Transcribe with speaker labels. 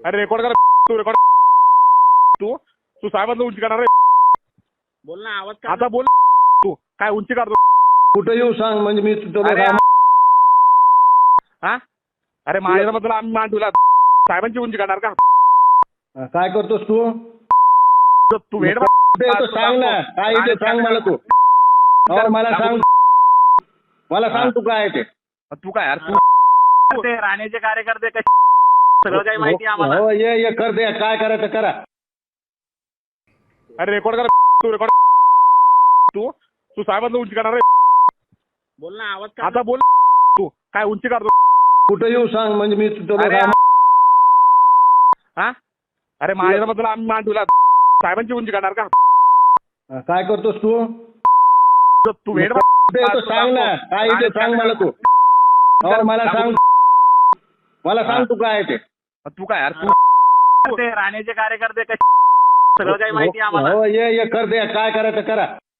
Speaker 1: अरे रेकॉर्ड कर तू रेकॉर्ड तू तू साहेबांना उंची करणार रे.
Speaker 2: बोल ना आवाज
Speaker 1: आता बोल तू काय उंची काढतो
Speaker 3: कुठे येऊ सांग म्हणजे मी तुला
Speaker 1: अरे
Speaker 3: काय
Speaker 1: हा अरे माझ्याबद्दल आम्ही मान ठेवला साहेबांची उंची काढणार का
Speaker 3: काय करतोस तू
Speaker 1: तू वेड
Speaker 3: कुठे येतो सांग ना काय येते सांग मला तू हो मला सांग तू काय आहे ते
Speaker 1: तू काय यार तू
Speaker 2: ते राणेचे कार्यकर्ते कसे सगळं काही माहिती आहे आम्हाला.
Speaker 3: हो ये कर दे काय करायचं करा.
Speaker 1: अरे रेकॉर्ड कर तू रेकॉर्ड तू तू साहेबांना उंची काढणार रे.
Speaker 2: बोल ना आवाज
Speaker 1: आता बोल तू काय उंची काढतो
Speaker 3: कुठे येऊ सांग म्हणजे मी तुला
Speaker 1: अरे
Speaker 3: काय
Speaker 1: हा अरे माझ्याबद्दल आम्ही मान ठेवला साहेबांची उंची काढणार का
Speaker 3: काय करतोस तू
Speaker 1: तू वेड
Speaker 3: कुठे येतो सांग ना काय येते सांग मला तू हो मला सांग तू काय आहे ते
Speaker 1: तू काय यार
Speaker 2: ते राणेचे कार्यकर्ते कसे सगळं काही माहिती आहे आम्हाला.
Speaker 3: हो ये कर दे काय करायचं करा.